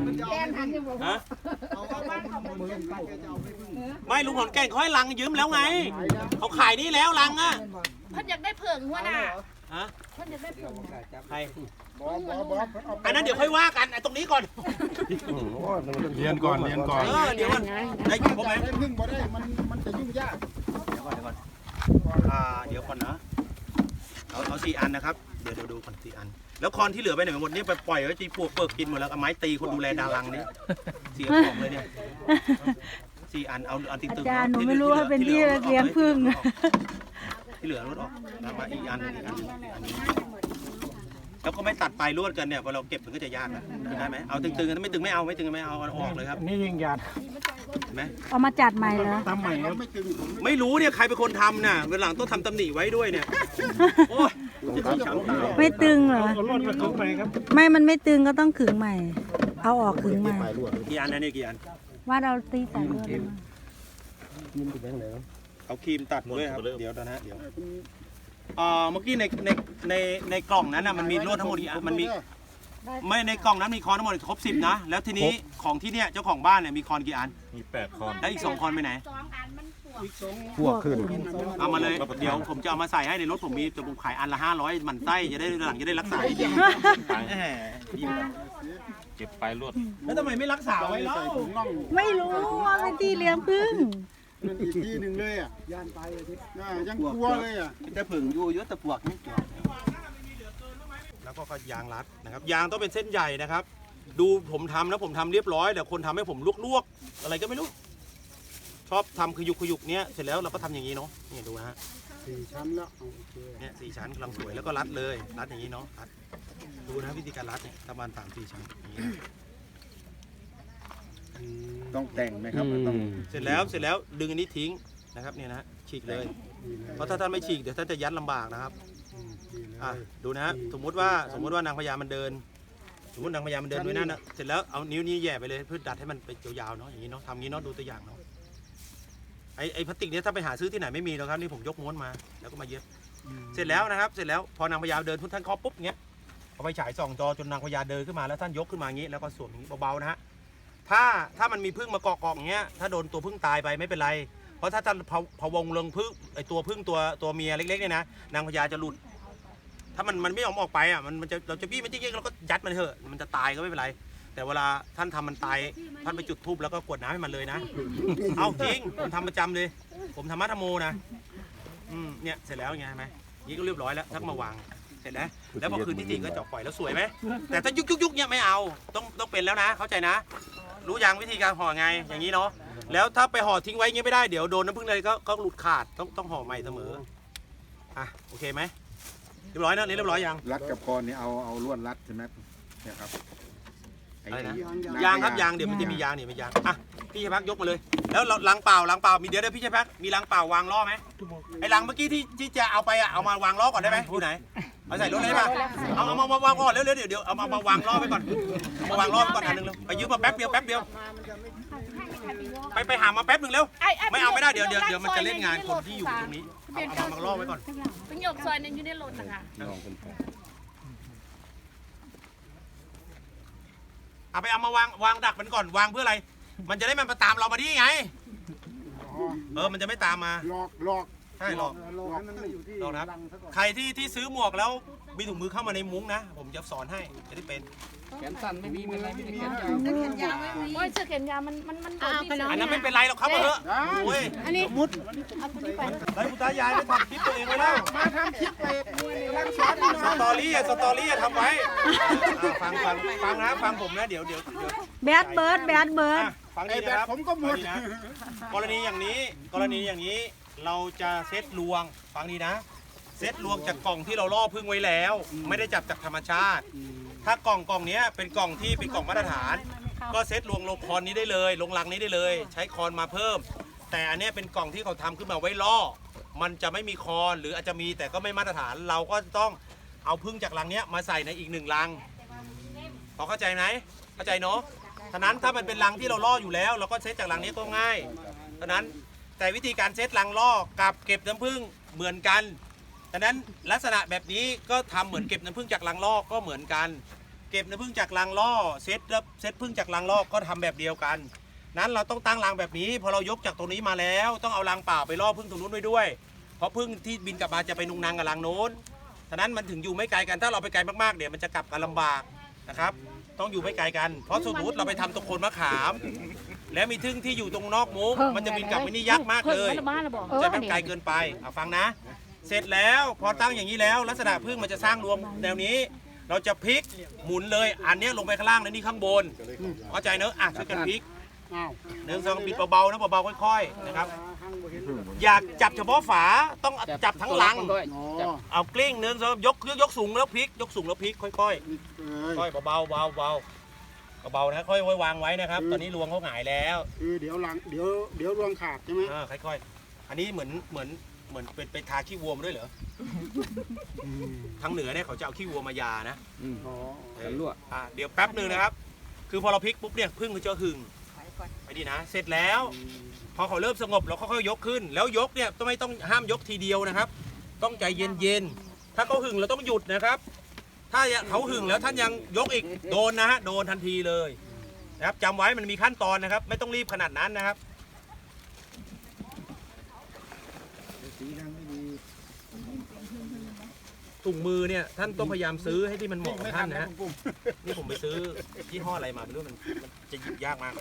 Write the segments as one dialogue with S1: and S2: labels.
S1: แกนทันอยู่บ่
S2: ฮะ
S3: ไม่ลุงขอนแก่นเขาให้ลังยืมแล้วไงเขาขายนี่แล้วลังอ่ะ
S1: เพิ่นอยากได้เผิงหัวหน้า
S3: ฮะ
S1: เพิ่นอยากได้เผิง
S3: ใครอันนั้นเดี๋ยวค่อยว่ากันไอ้ตรงนี้ก่อน
S4: เรียนก่อนเรียนก่อน
S3: เดี๋ยวมันได้ยินผมไหม
S5: พึ่งบ่ได้มันจะยุ่งยาก
S3: เดี๋ยวก่อนเดี๋ยวก่อนนะเอา4 อันนะครับเดี๋ยวดูก่อน4 อันแล้วคอนที่เหลือไปไหนหมดนี่ไปปล่อยไว้ที่พวกเปิกกินหมดแล้วเอาไม้ตีคนดูแลดารังนี่เสียของเลยเนี่ย4 อันเอาอันตึงๆ
S6: อาจารย์หนูไม่รู้ว่าเป็นที่เลี้ยงผึ้ง
S3: ที่เหลือลดออกแล้วมาอีกอันแล้วก็ไม่ตัดปลายลวดกันเนี่ยพอเราเก็บมันก็จะยากนะได้ไหมเอาตึงๆกันไม่ตึงไม่เอาไม่ตึงไม่เอาออกเลยครับ
S4: นี่ยิงยาด
S3: เห็นไหม
S6: เอามาจัดใหม่เหรอ
S4: ตามใหม่ครับ
S3: ไม่รู้เนี่ยใครเป็นคนทำน่ะวันหลังต้องทำตำหนิไว้ด้วยเนี่ยโอ้ย
S6: ไม่ตึงเหรอ
S4: เอารอดมาถึงใหม่ครับ
S6: ไม่มันไม่ตึงก็ต้องขึงใหม่ เอาออกขึงใหม่
S3: กี่อันนะเนี่ยกี่อัน
S6: ว่าเราตีใส่เลือดมา
S3: เอาครีมตัดด้วยครับเดี๋ยวนะเดี๋ยวเมื่อกี้ในกล่องนั้นน่ะมันมีลวดทั้งหมดกี่อันมันมีไม่ในกล่องนั้นมีคอนทั้งหมดครบ10นะแล้วทีนี้ของที่เนี่ยเจ้าของบ้านเนี่ยมีคอนกี่อัน
S4: มี8คอน
S3: แล้วอีก2 คอนไปไหน
S1: 2 อันมันปวด
S4: พวกขึ้น
S3: เอามาเลยเดี๋ยวผมจะเอามาใส่ให้ในรถผมมีแต่ผมขายอันละ500มันไส้จะได้หลังจะได้รักษาดีๆ
S4: เก็บปลายลวด
S3: แล้วทำไมไม่รักษาไว้เล่า
S6: ไม่รู้ว่าเป็นที่เลี้ยงผึ้ง
S5: นั่นอีกที่หนึ่งเลยอ่ะย่านไปเลยทิยังกลัวเลยอ่ะ
S3: แต่ผึ่งอยู่เยอะแต่ปวกไม่เกี่ยวแล้วก็ยางรัดนะครับยางต้องเป็นเส้นใหญ่นะครับ ดูผมทำนะผมทำเรียบร้อยแต่คนทำให้ผมลวกๆอะไรก็ไม่รู้ชอบทำขยุกเนี้ยเสร็จแล้วเราก็ทำอย่างนี้เนาะนี่ดูนะฮะ
S5: 4 ชั้นแล้วโอเค
S3: เนี่ย4 ชั้นกำลังสวยแล้วก็รัดเลยรัดอย่างนี้เนาะรัดดูนะวิธีการรัดเนี่ยประมาณ3-4 ชั้นอย่างนี้นะ
S5: ต้องแต่งไหมครับต้อง
S3: เสร็จแล้วดึงอันนี้ทิ้งนะครับเนี่ยนะฉีกเลยเพราะถ้าท่านไม่ฉีกเดี๋ยวท่านจะยัดลำบากนะครับดูนะสมมุติว่านางพญามันเดินสมมตินางพญามันเดินด้วยนั่นนะเสร็จแล้วเอานิ้วนี้แย่ไปเลยเพื่อดัดให้มันไปยาวๆเนาะอย่างนี้เนาะทำงี้เนาะดูตัวอย่างเนาะไอ้พลาสติกเนี้ยถ้าไปหาซื้อที่ไหนไม่มีหรอกครับนี่ผมยกม้วนมาแล้วก็มาเย็บเสร็จแล้วนะครับเสร็จแล้วพอนางพญาเดินท่านเคาะปุ๊บเงี้ยเอาไปฉายส่องจอจนนางพญาเดินขึ้นมาแล้วท่านยกขึ้นมาอย่างนี้แล้วก็สวมอย่างนี้เบาๆนะฮะถ้ามันมีพึ่งมาเกาะอย่างเงี้ยถ้าโดนตัวพึ่งตายไปไม่เป็นไรเพราะถ้าท่านพะวงลงพึ่งไอตัวพึ่งตัวเมียเล็กๆเนี่ยนะนางพญาจะหลุดถ้ามันไม่ยอมออกไปอ่ะมันจะเราจะบี้มันจริงๆเราก็ยัดมันเถอะมันจะตายก็ไม่เป็นไรแต่เวลาท่านทำมันตายท่านไปจุดธูปแล้วก็กรวดน้ำให้มันเลยนะเอาจริงผมทำประจำเลยผมทำมัทโมนะเนี่ยเสร็จแล้วไงไหมนี่ก็เรียบร้อยแล้วทักมาวางเสร็จแล้วพอคืนที่4ก็จบปล่อยแล้วสวยไหมแต่ถ้ายุกเนี่ยไม่เอาต้องเป็นแล้วนะเข้าใจนะรู้ยังวิธีการห่อไงอย่างนี้เนาะแล้วถ้าไปห่อทิ้งไว้อย่างนี้ไม่ได้เดี๋ยวโดนน้ำผึ้งเลยก็หลุดขาดต้องห่อใหม่เสมออ่ะโอเคไหมเรียบร้อยนะนี่เรียบร้อยยัง
S5: รัดกับคอนี่เอาลวดรัดใช่ไหมเนี่ยครับ
S3: อะไรนะยางครับยางเดี๋ยวมันจะมียางมียางอ่ะพี่ชัยพักยกมาเลยแล้วลังเปล่ามีเดี๋ยวพี่ชัยพักมีลังเปล่าวางล้อไหมไอ้ลังเมื่อกี้ที่จะเอาไปอ่ะเอามาวางล้อก่อนได้ไหมอยู่ไหนเอาใส่รถเลยป่ะเอามาวางก่อนเร็วเดี๋ยวเอามาวางล้อไว้ก่อนมาวางล้อไว้ก่อนอันนึงเร็วไปยืมมาแป๊บเดียวไปหามาแป๊บนึงเร็วไม่เอาไม่ได้เดี๋ยวมันจะเล่นงานคนที่อยู่ตรงนี้เอามาล้อไว้ก่อน
S1: เป็นหยกซอยนั้นอยู่ในรถนะคะ
S3: เอามาวางดักมันก่อนวางเพื่ออะไรมันจะได้มันมาตามเรามาที่ไงมันจะไม่ตามมา
S5: หลอก
S3: ใช่หลอก
S5: ให้มันอยู่ที่
S3: นะครับใครที่ซื้อหมวกแล้วมีถุงมือเข้ามาในมุ้งนะผมจะสอนให้จะได้เป็น
S7: แขนสั้นไม่มีเป็นไรไม่ได้แขนยาว
S1: โอ้ยเสื้อแขนยาวมันโดนที่
S3: อันนั้นไม่เป็นไรหรอกครับเถอะโอ้ย
S1: อันนี้
S5: มุด
S1: เอาคนนี้ไป
S3: ไอ้คุณตายายไม่ทำคลิปตัวเองไว้แล้ว
S5: มาทำคลิปเลยรังสอน
S3: สตอรี่ทำไว้ฟังนะฟังผมนะเดี๋ยว
S6: แบดเบิร์ด
S3: ฟัง
S5: ไอ้
S3: ดี
S5: แบ
S3: นะ
S5: บ
S3: ครับ
S5: ผมก็หมด
S3: กรณีอย่างนี้เราจะเซตลวงฟังดีนะเซตลวงจากกล่องที่เราล่อพึ่งไว้แล้ว ไม่ได้จับจากธรรมชาติ ถ้ากล่องนี้เป็นกล่องที่เป็นกล่องมาตรฐาน ก็เซตลวงลงคอนนี้ได้เลยลงรังนี้ได้เลย ใช้คอนมาเพิ่ม แต่อันนี้เป็นกล่องที่เขาทำขึ้นมาไว้ล่อมันจะไม่มีคอนหรืออาจจะมีแต่ก็ไม่มาตรฐาน เราก็ต้องเอาพึ่งจากรังนี้มาใส่ในอีก1รังพอเข้าใจไหมเข้าใจเนาะฉะนั้นถ้ามันเป็นรังที่เราล่ออยู่แล้วเราก็เซตจากรังนี้ก็ง่ายฉะนั้นแต่วิธีการเซตรังล่อกับเก็บน้ำผึ้งเหมือนกันฉะนั้นลักษณะแบบนี้ก็ทำเหมือนเก็บน้ำผึ้งจากรังล่อก็เหมือนกันเก็บน้ำผึ้งจากรังล่อเซตผึ้งจากรังล่อก็ทำแบบเดียวกันนั้นเราต้องตั้งรังแบบนี้พอเรายกจากตรงนี้มาแล้วต้องเอารังเปล่าไปล่อผึ้งตรงนู้นไว้ด้วยเพราะผึ้งที่บินกลับมาจะไปนุงนางกับรังโน้นฉะนั้นมันถึงอยู่ไม่ไกลกันถ้าเราไปไกลมากๆเดี๋ยวมันจะกลับกันลำบากนะครับต้องอยู่ไม่ไกลกันเพราะสมมติเราไปทำตรงโคนมะขามแล้วมีทึ่งที่อยู่ตรงนอกมุ้งมันจะบินกลับไปนี่ยากมากเลยจะมันไกลเกินไปฟังนะเสร็จแล้วพอตั้งอย่างนี้แล้วลักษณะผึ้งมันจะสร้างรวมแนวนี้เราจะพลิกหมุนเลยอันนี้ลงไปข้างล่างแล้วนี่ข้างบนเข้าใจเนอะช่วยกันพลิก1 2บิดเบาๆนะเบาๆค่อยๆนะครับอยากจับเฉพาะฝาต้องจับทั้งลังเอากลิ้ง1 2ยกสูงแล้วพลิกยกสูงแล้วพลิกค่อยๆค่อยเบาๆเบาๆนะค่อยๆวางไว้นะครับตอนนี้รวงเขาหงายแล้ว
S5: เดี๋ยวรวงขาดใช่ไหม
S3: ค่อยๆอันนี้เหมือนเป็นทาขี้วัวมาด้วยเหรอทางเหนือเนี่ยเขาจะเอาขี้วัวมายานะเดี๋ยวแป๊บนึงนะครับคือพอเราพลิกปุ๊บเนี่ยพึ่งเขาจะหึงไปดีนะเสร็จแล้วพอเขาเริ่มสงบเราค่อยๆยกขึ้นแล้วยกเนี่ยไม่ต้องห้ามยกทีเดียวนะครับต้องใจเย็นๆถ้าเขาหึงเราต้องหยุดนะครับถ้าเขาหึงแล้วท่านยังยกอีกโดนนะฮะโดนทันทีเลยนะครับจำไว้มันมีขั้นตอนนะครับไม่ต้องรีบขนาดนั้นนะครับถุงมือเนี่ยท่านต้องพยายามซื้อให้ที่มันเหมาะกับท่านนะฮะนี่ผมไปซื้อยี่ห้ออะไรมาไม่รู้มันจะหยิบยากมาก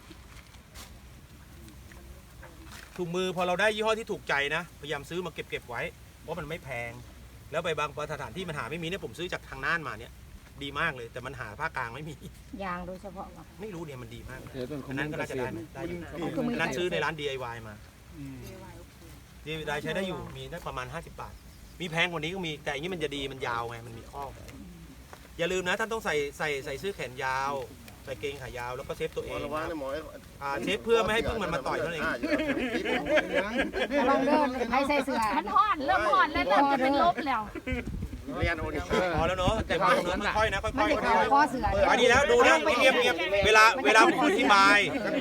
S3: ถุงมือพอเราได้ยี่ห้อที่ถูกใจนะพยายามซื้อมาเก็บไว้เพราะมันไม่แพงแล้วไปบางสถานที่มันหาไม่มีเนี่ยผมซื้อจากทางน่านมาเนี่ยดีมากเลยแต่มันหาภาคกลางไม่มี
S1: ยางโดยเฉพาะ
S3: ไม่รู้เนี่ยมันดีมากอันนั้นก็น่าจะได้อันนั้นซื้อในร้าน DIY มาDIY ใช้ได้อยู่มีได้ประมาณ50 บาทมีแพงกว่านี้ก็มีแต่อันนี้มันจะดีมันยาวไงมันมีข้ออย่าลืมนะท่านต้องใส่เสื้อแขนยาวใส่เกงขายาวแล้วก็เซฟตัวเองเซฟเพื่อไม่ให้พึ่งมันมาต่อยนั่นเอง
S1: ลองเดินให้ใส่เสื้อมันห่อนเริ่มห่อนแล้วเริ่มจะเป็นลบแล้ว
S3: เรียนโอนิพอแล้วเนาะแต่พอเนื้อค่อยๆนะค่อย
S1: ๆ
S3: อันนี้แล้วดูนะเงียบเวลาผมอธิบาย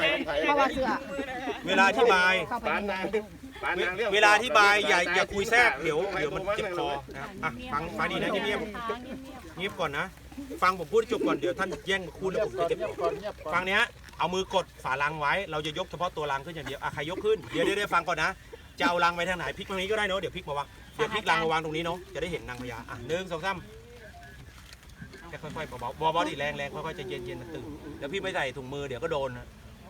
S3: เวลาอธิบายเวลาอธิบายอย่าคุยแทรกเดี๋ยวมันเจ็บคอนะครับฟังดีนะเงียบก่อนนะฟังผมพูดจบก่อนเดี๋ยวท่านแย่งมาพูดแล้วผมจะเจ็บคอฟังเนี้ยเอามือกดฝาลังไว้เราจะยกเฉพาะตัวลังขึ้นอย่างเดียวใครยกขึ้นเดี๋ยวฟังก่อนนะจะเอาลังไปทางไหนพลิกตรงนี้ก็ได้เนาะเดี๋ยวพลิกมาวางเดี๋ยวพลิกลังมาวางตรงนี้เนาะจะได้เห็นนางพญา1 2 3แค่ค่อยๆเบาๆดิแรงค่อยๆจะเย็นมันตื่นแล้วพี่ไม่ใส่ถุงมือเดี๋ยวก็โดนนะ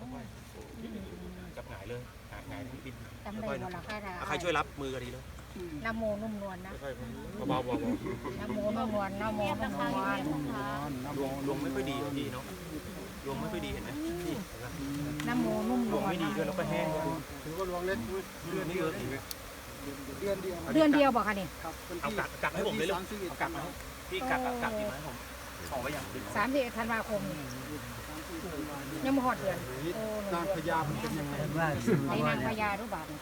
S3: จับหงายเลยหงายทั้งบินค่อยๆนะใครช่วยรับมือก็ดีเลย
S1: น้ำโมนุ่มนวลนะ
S3: เบา
S1: น้ำโมนุ่มนวลน้ำโมนุ่มนวล
S3: ลวงไม่ค่อยดีพี่เนาะลวงไม่ค่อยดีเห็นไหมพี่
S1: น้ำโมนุ่มนวล
S3: ลวงไม่ดีด้วยแล้วก็แห้งด้วย
S5: ถือว่าลวงเล็ก
S3: เดือนนี้เยอะ
S1: เดือนเดียวบอกค่ะนี่
S3: เอากักให้ผมเลยลูกเอากักมาพี่กักดีไหมผมของไว้อย่าง
S1: 30 ธันวาคมยังไม่หอดเดือน
S5: นางพญามันเป็นยังไง
S1: ในนางพญารู้บ้าง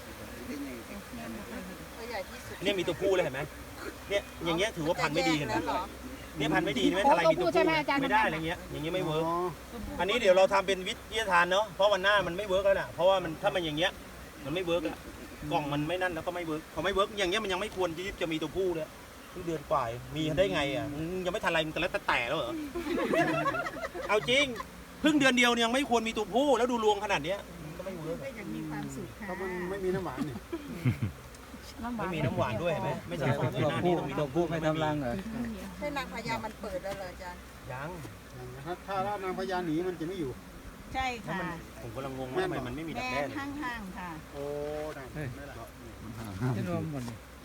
S3: เนี่ยมีตัวผู้เลยเห็นไหมเนี่ยอย่างเงี้ยถือว่าพันไม่ดีเห็นไหมเนี่ยพันไม่ดีไม่ทลายมีตัวผู้ไม่ได้อะไรเงี้ยอย่างเงี้ยไม่เวิร์กอันนี้เดี๋ยวเราทำเป็นวิทยาทานเนาะเพราะวันหน้ามันไม่เวิร์กแล้วนะเพราะว่ามันถ้ามันอย่างเงี้ยมันไม่เวิร์กอะกล่องมันไม่นั่นแล้วก็ไม่เวิร์กพอไม่เวิร์กอย่างเงี้ยมันยังไม่ควรที่จะมีตัวผู้เลยเดือนกว่ามีได้ไงอ่ะยังไม่ทันอะไรมันแต่แล้วเหรอเอาจริงเพิ่งเดือนเดียวยังไม่ควรมีตัวผู้แล้วดูรวงขนาดเนี้ยก็ไม่เวิร์ก
S5: เพราะมันไม่มีน้ำหวานนี่
S3: ไม่มีน้ำหวานด้วยเห็นไหมไม่ใช่ของหน้านี่ต้องมีตัวผู้
S2: ไม่ทำรังเหรอ
S8: ใช่นางพญามันเปิดแล้วเหรออาจารย์
S3: ยัง
S5: ถ้านางพญาหนีมันจะไม่อยู่
S8: ใช่ค่ะ
S3: ผมกำลังงงว่าทำไมมันไม่มีดักแด้
S8: ห้างค่ะ
S5: โอ้ได้ไม่ละ
S2: ที่รวมหมด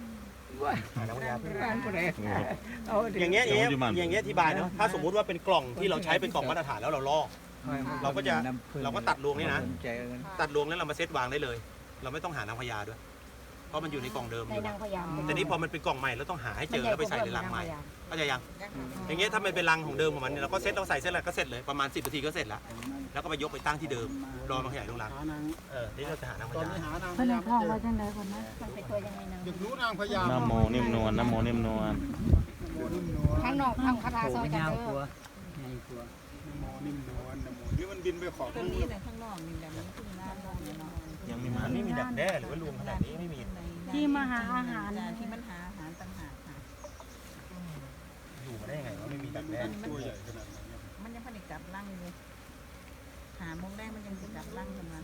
S3: อย่างเงี้ยอธิบายเนาะถ้าสมมุติว่าเป็นกล่องที่เราใช้เป็นกล่องมาตรฐานแล้วเราลอกเราก็ตัดรวงนี่นะตัดรวงแล้วเรามาเซตวางได้เลยเราไม่ต้องหานางพญาด้วยเพราะมันอยู่ในกล่องเดิมอยู่แต่นี้พอมันเป็นกล่องใหม่เราต้องหาให้เจอแล้วไปใส่ในรังใหม่เข้าใจยังอย่างเงี้ยถ้ามันเป็นรังของเดิมของมันเราก็เซตเราใส่เสร็จแล้วก็เสร็จเลยประมาณ10 นาทีก็เสร็จแล้วแล้วก็ไปยกไปตั้งที่เดิมรอมันขยายลงรังนี่เราจะหานางพญา
S1: พนักทองไว้จังไดคนนะมันเป็นตัวยังไงนะ
S5: อยากรู้นางพญา
S2: น้ำโมนิ่มนวล
S1: ข้างนอกทางคาถาซอยกันเด้อ
S5: นิ่มนวลนี่มันบินไปขอบ
S8: ตรงนี้แต่ข้างนอกนี่แต่มันขึ้นมา
S3: ยังไม่มีดักแด้หรือว่ารวมขนาดนี้ไม่มี
S1: ที่มาหาอาหาร
S8: ที่มันหาอาหารต่างหากค่ะ
S3: อยู่มาได้ยังไงว่าไม่มีดักแด้
S5: ตัวใหญ่ขนาดนั้น
S8: มันยังผลิตกลับร่างเลยหาโมงแรกมันยังจะกลับร่างทำงาน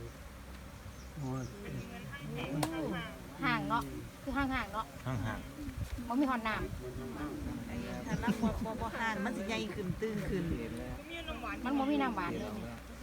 S1: ห่างเนาะคือห่างๆเนาะ
S2: ห่าง
S1: มันมีหอนน้
S8: ถ้าร่างบ่ห่างมันสิใหญ่ขึ้นตื้นขึ้น
S1: ำมันบ่มีน้ำหวานเลย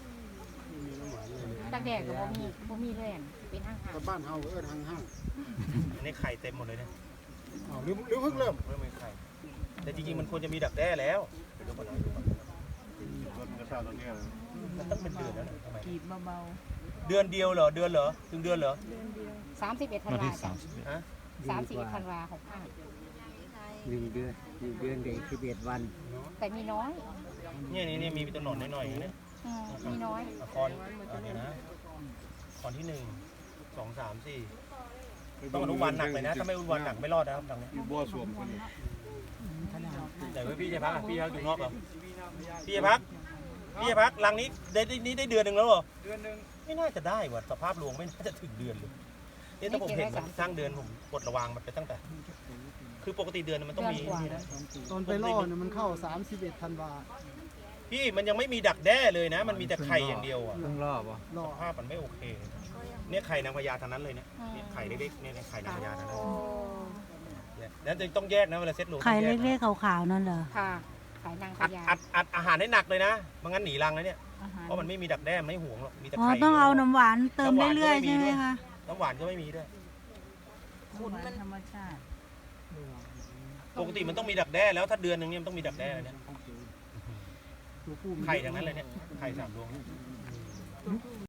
S1: ตักแดดก็บ่มีเลยเป็นห่าง
S5: แต่บ้านเฮาเอิ้นห่าง
S3: อันนี้ไข่เต็มหมดเลยเนี่ย
S5: ๆอ้าวหรือเพิ่งเริ่ม
S3: เริ่มเป็นไข่แต่จริงๆมันควรจะมีดักแด้แล้วเดี๋ยวดูก่อนนะดูก่อน
S4: รถกระชากตรงนี้
S3: มันต้องเป็นเดือนแล้วนะทำไม
S8: กีบเบา
S3: เดือนเดียวเหรอเดือนเหรอถึงเดือนเหรอ
S1: 31 ธัน
S2: วัน
S1: วา
S2: ที่
S1: จ้ะ
S3: ฮะ
S1: 31 ธันวา65
S9: 1 เดือนเด็ก11 วัน
S1: แต่มีน้อย
S3: นี่มีตัวหนอนหน่อยๆนะ
S1: มีน้อย
S3: คอนเนี่ยนะคอนที่1 2 3 4ต้องอนุบาลหนักเลยนะถ้าไม่อนุบาลหนักไม่รอดนะครับทางนี้
S4: อยู่บัวสวมคน
S3: แต่ว่าพี่จะพักพี่พักอยู่นอกเหรอพี่จะพักรังนี้ได้เดือนหนึ่งแล้วเหรอเดือนหนึ่งไม่น่าจะได้ว่ะสภาพรวงไม่น่าจะถึงเดือนเลยนี่ถ้าผมเห็นมันสร้างเดือนผมปลดระวางมันไปตั้งแต่ คือปกติเดือนมันต้องมีนี่นะ
S5: ตอนไปล่อเนี่ยมันเข้า31 ธันวา
S3: พี่มันยังไม่มีดักแด้เลยนะ มันมีแต่ไข่อย่างเดียวอ่ะ
S2: ๆต้องรอบวะ
S5: ล่อ
S3: สภาพมันไม่โอเคเลยเนี่ยไข่นางพญาทั้งนั้นเลยเนี่ยไข่เล็กๆเนี่ยไข่นางพญาทั้งนั้นเนี่ยแล้วต้องแยกนะเวลาเซ็ตโหล
S6: ไข่เล็กๆขาวๆนั่นเหรอ
S1: ค่ะขายนางพญา
S3: อัดอาหารให้หนักเลยนะไม่งั้นหนีรังนะเนี่ย
S8: ๆอาหาร
S3: เพราะมันไม่มีดักแด้มันไม่ห่วงหรอกมีแต่
S6: อ๋อ
S3: ไข่
S6: ต้องเอาน้ำหวานเติมเรื่อยๆใช่ไหมคะ
S3: น้ำหวานก็ไม่มีด้วย
S8: คุณมันธรรมชาติ
S3: ปกติมันต้องมีดักแด้แล้วถ้าเดือนหนึ่งเนี่ยมันต้องมีดักแด้เลยเนี่ยไข่ทั้งนั้นเลยเนี่ยไข่3 ดวง